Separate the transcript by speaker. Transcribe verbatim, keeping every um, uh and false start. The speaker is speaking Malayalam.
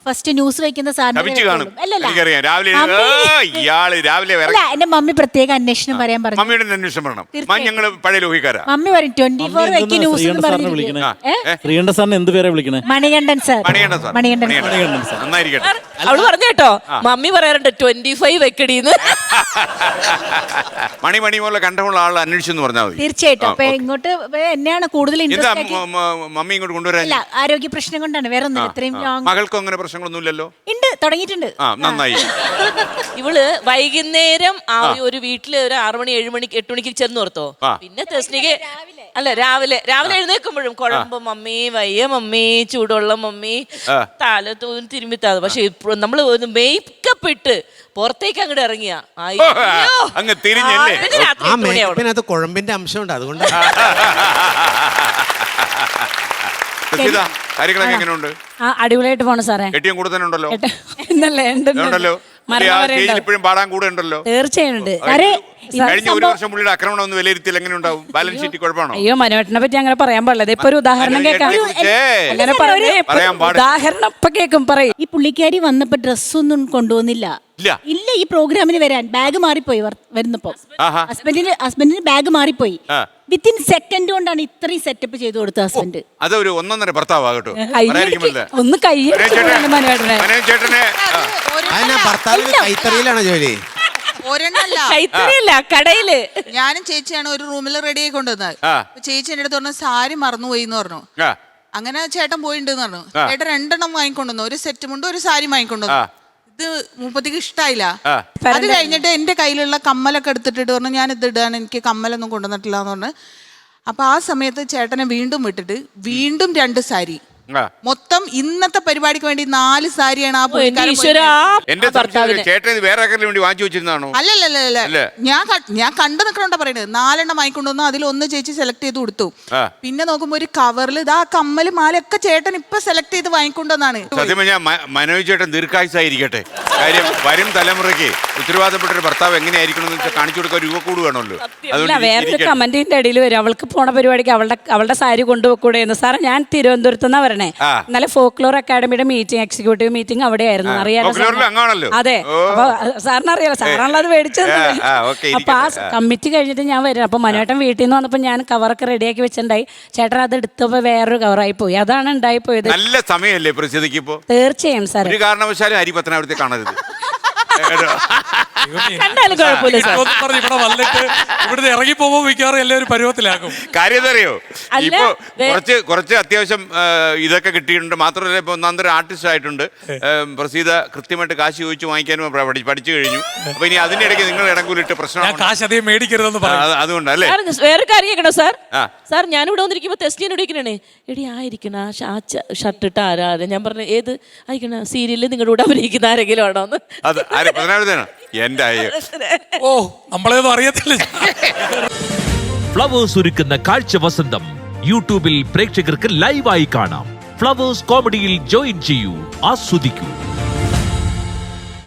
Speaker 1: ഫസ്റ്റ് ന്യൂസ് വെക്കുന്ന സാധനം
Speaker 2: ഇയാള് രാവിലെ
Speaker 1: എന്റെ മമ്മി പ്രത്യേക അന്വേഷണം പറയാൻ പറഞ്ഞു.
Speaker 2: മമ്മിയുടെ അന്വേഷണം പറയണം. ഞങ്ങള് പഴയ ലോഹിക്കാരാ.
Speaker 1: മമ്മി പറയും ട്വന്റി ഫോർ വെക്ക് ന്യൂസ് എന്ന് പറഞ്ഞു.
Speaker 3: ശ്രീകണ്ഠൻ സാറിന് എന്ത് പേരാ വിളിക്കണേ?
Speaker 1: മണികണ്ഠൻ സാർ.
Speaker 2: മണികണ്ഠൻ സാർ.
Speaker 1: മണികണ്ഠൻ
Speaker 2: നന്നായിരിക്കട്ടെ.
Speaker 4: അവള് പറഞ്ഞു കേട്ടോ, മമ്മി പറയാറുണ്ട് ട്വന്റി ഫൈവ് വെക്കടീന്ന്.
Speaker 2: മണി മണി പോലെ കണ്ടമുള്ള ആൾ അന്വേഷിച്ചെന്ന് പറഞ്ഞാൽ മതി.
Speaker 1: തീർച്ചയായിട്ടും. അപ്പൊ ഇങ്ങോട്ട് എന്നെയാണ് കൂടുതൽ
Speaker 2: മമ്മി ഇങ്ങോട്ട് കൊണ്ടുവരാൻ
Speaker 1: ആരോഗ്യ പ്രശ്നം കൊണ്ടാണ്, വേറെ ഒന്നും. ഇത്രയും
Speaker 2: മകൾക്കും അങ്ങനെ പ്രശ്നങ്ങളൊന്നുമില്ലല്ലോ?
Speaker 1: ഉണ്ട്, തുടങ്ങിയിട്ടുണ്ട്.
Speaker 2: നന്നായി.
Speaker 4: ഇവള് വൈകുന്നേരം ആ ഒരു വീട്ടില് ഒരു ആറു മണി ഏഴു മണിക്ക് എട്ടു മണിക്ക് ചെന്ന് ഓർത്തോ. പിന്നെ തെസ്നിക്ക് അല്ല രാവിലെ രാവിലെ എഴുന്നേൽക്കുമ്പോഴും കുഴമ്പ് മമ്മി, വയ്യ മമ്മി, ചൂടുള്ള മമ്മി, തല തൂന്ന് തിരുമ്മിത്താതെ. പക്ഷെ ഇപ്പൊ നമ്മള് ഒന്ന് മേക്കപ്പ് ഇട്ട് പുറത്തേക്ക് അങ്ങോട്ട് ഇറങ്ങിയ
Speaker 2: അങ്ങ് തിരിഞ്ഞല്ലേ.
Speaker 5: ആ മേക്കപ്പിനകത്ത് കുഴമ്പിന്റെ അംശമുണ്ട്, അതുകൊണ്ട്.
Speaker 2: കാര്യങ്ങളൊക്കെ എങ്ങനെയുണ്ട്?
Speaker 6: അടിപൊളിയായിട്ട് പോണു സാറേ.
Speaker 2: കെട്ടിയും കൂടെ തന്നെ ഉണ്ടല്ലോ?
Speaker 6: ഉണ്ടല്ലോ,
Speaker 2: ഇപ്പോഴും പാടാൻ കൂടെ ഉണ്ടല്ലോ?
Speaker 6: തീർച്ചയായുണ്ട്.
Speaker 2: കഴിഞ്ഞ ഒരു വർഷം പുള്ളിയുടെ ആക്രമണം ഒന്ന് വിലയിരുത്തിയാൽ എങ്ങനെ ഉണ്ടാവും? ബാലൻസ് ഷീറ്റ് കുഴപ്പമാണോ?
Speaker 6: അയ്യോ, മനോഹരനെ പറ്റി അങ്ങനെ പറയാൻ പാടില്ല. ഇപ്പൊ ഒരു ഉദാഹരണം കേൾക്കാം. അങ്ങനെ ഉദാഹരണം ഇപ്പൊ കേൾക്കും പറയും.
Speaker 1: ഈ പുള്ളിക്കാരി വന്നപ്പോ ഡ്രസ്സൊന്നും കൊണ്ടുവന്നില്ല. ഇല്ല, ഈ പ്രോഗ്രാമിന് വരാൻ ബാഗ് മാറിപ്പോയി. വരുന്നപ്പോ ഹസ്ബൻഡിന് ഹസ്ബൻഡിന് ബാഗ് മാറിപ്പോയി. വിത്തിൻ സെക്കൻഡ് കൊണ്ടാണ് ഇത്രയും സെറ്റപ്പ് ചെയ്ത് കൊടുത്തത് ഹസ്ബൻഡ്.
Speaker 2: അതൊരു ഒന്നൊന്നര ഭർത്താവാകട്ടോ.
Speaker 6: ഒന്ന് കൈയ്യേട്ടനെ
Speaker 5: ഭർത്താവിന് കൈത്തറിയിലാണ് ജോലി.
Speaker 4: കൈത്തറിയല്ല, കടയില്.
Speaker 7: ഞാനും ചേച്ചിയാണ് ഒരു റൂമിൽ റെഡി ആയി കൊണ്ടുവന്നത്. ചേച്ചി എന്റെ അടുത്ത് പറഞ്ഞു സാരി മറന്നുപോയി എന്ന് പറഞ്ഞു. അങ്ങനെ ചേട്ടൻ പോയിണ്ടെന്ന് പറഞ്ഞു. ചേട്ടൻ രണ്ടെണ്ണം വാങ്ങിക്കൊണ്ടുവന്നു, ഒരു സെറ്റ് മുണ്ട് ഒരു സാരി വാങ്ങിക്കൊണ്ടുവന്നു. ഇത് മുപ്പത്തിക്ക് ഇഷ്ടായില്ല. അത് കഴിഞ്ഞിട്ട് എന്റെ കയ്യിലുള്ള കമ്മലൊക്കെ എടുത്തിട്ട് പറഞ്ഞു ഞാൻ ഇത് ഇടാൻ, എനിക്ക് കമ്മലൊന്നും കൊണ്ടുവന്നിട്ടില്ല എന്ന് പറഞ്ഞു. അപ്പൊ ആ സമയത്ത് ചേട്ടനെ വീണ്ടും വിട്ടിട്ട് വീണ്ടും രണ്ട് സാരി, മൊത്തം ഇന്നത്തെ പരിപാടിക്ക് വേണ്ടി നാല് സാരിയാണ് ആ
Speaker 2: ചേട്ടൻ വേറെ വേണ്ടി വാങ്ങിച്ചു വെച്ചിരുന്നാണോ?
Speaker 7: അല്ലല്ലല്ല, ഞാൻ ഞാൻ കണ്ടു നിൽക്കണോണ്ടാ പറയുന്നത്. നാലെണ്ണം വാങ്ങിക്കൊണ്ടുവന്നു, അതിലൊന്ന് ചേച്ചി സെലക്ട് ചെയ്ത് കൊടുത്തു. പിന്നെ നോക്കുമ്പോ ഒരു കവറിൽ ഇതാ കമ്മല് മാലൊക്കെ ചേട്ടൻ ഇപ്പൊ സെലക്ട് ചെയ്ത് വാങ്ങിക്കൊണ്ടുവന്നാണ്.
Speaker 2: സത്യം ഞാൻ മനോജ് ചേട്ടൻ ദീർഘായുസായിരിക്കട്ടെ. കാര്യം വരും തലമുറയ്ക്ക് ഉത്തരവാദപ്പെട്ട ഒരു ഭർത്താവ് എങ്ങനെയായിരിക്കണം എന്ന് വെച്ചാൽ കാണിച്ചു കൊടുക്കാൻ രൂപ കൂട് വേണമല്ലോ.
Speaker 6: വേറൊരു കമന്റിന്റെ ഇടയിൽ വരും, അവൾക്ക് പോണ പരിപാടിക്ക് അവളുടെ അവളുടെ സാരി കൊണ്ടുപോകൂടെ എന്ന്. സാറേ, ഞാൻ തിരുവനന്തപുരത്ത് നിന്നാ വരണേ. ഇന്നലെ ഫോക്ലോർ അക്കാഡമിയുടെ മീറ്റിംഗ്, എക്സിക്യൂട്ടീവ് മീറ്റിംഗ് അവിടെ ആയിരുന്നു. അറിയാലോ? അതെ. അപ്പൊ സാറിന് അറിയാലോ, സാറാണല്ലോ അത് മേടിച്ചത്. അപ്പൊ ആ കമ്മിറ്റി കഴിഞ്ഞിട്ട് ഞാൻ വരും. അപ്പൊ മനോട്ടൻ വീട്ടിൽ നിന്ന് വന്നപ്പോ ഞാൻ കവറൊക്കെ റെഡിയാക്കി വെച്ചിട്ടുണ്ടായി. ചേട്ടൻ അത് എടുത്തപ്പോ വേറൊരു കവറായി പോയി. അതാണ് ഉണ്ടായി പോയത്.
Speaker 2: നല്ല സമയമല്ലേ പ്രസിദ്ധിക്ക്? ഇപ്പോ
Speaker 6: തീർച്ചയായും സാർ, ഒരു
Speaker 2: കാരണവശാലും ഹരി പത്തനാപുരത്തെ കാണരുത്.
Speaker 4: കണ്ടാലും കുഴപ്പമില്ല.
Speaker 8: ഇവിടെ വന്നിട്ട് ഇവിടുന്ന് ഇറങ്ങി പോകുമ്പോ മിക്കവാറും എല്ലാവരും പരുവത്തിലാക്കും.
Speaker 2: കാര്യം അറിയോ, ഇപ്പൊ കുറച്ച് കുറച്ച് അത്യാവശ്യം ഇതൊക്കെ കിട്ടിയിട്ടുണ്ട്. മാത്രമല്ല ഇപ്പൊ ഒന്നാന്തരം ആർട്ടിസ്റ്റ് ആയിട്ടുണ്ട്. പ്രസീത കൃത്യമായിട്ട് കാശ് ചോദിച്ചു വാങ്ങിക്കാനും പഠിച്ചു കഴിഞ്ഞു. അപ്പൊ ഇനി അതിന്റെ ഇടയ്ക്ക് നിങ്ങൾ ഇടങ്കൂലിട്ട് പ്രശ്നം
Speaker 8: കാശ് അധികം മേടിക്കരുതെന്ന് പറഞ്ഞു.
Speaker 2: അതുകൊണ്ടല്ലേ?
Speaker 4: വേറെ കാര്യം കേട്ടോ സാർ. സാർ ഞാനിവിടെ വന്നിരിക്കുമ്പോ തെസ്റ്റിനോട് ഇരിക്കണേ, എടി ആയിരിക്കണ ഷർട്ട് ഇട്ട് ആരാ? ഞാൻ പറഞ്ഞു ഏത് ആയിരിക്കണ സീരിയലിൽ നിങ്ങളുടെ കൂടെ അഭിനയിക്കുന്ന ആരെങ്കിലും ആണോ എന്ന്.
Speaker 2: എന്റെ
Speaker 8: ഓ, നമ്മളേതും അറിയത്തില്ല.
Speaker 9: ഫ്ലവേഴ്സ് ഒരുക്കുന്ന കാഴ്ച വസന്തം യൂട്യൂബിൽ പ്രേക്ഷകർക്ക് ലൈവായി കാണാം. ഫ്ലവേഴ്സ് കോമഡിയിൽ ജോയിൻ ചെയ്യൂ, ആസ്വദിക്കൂ.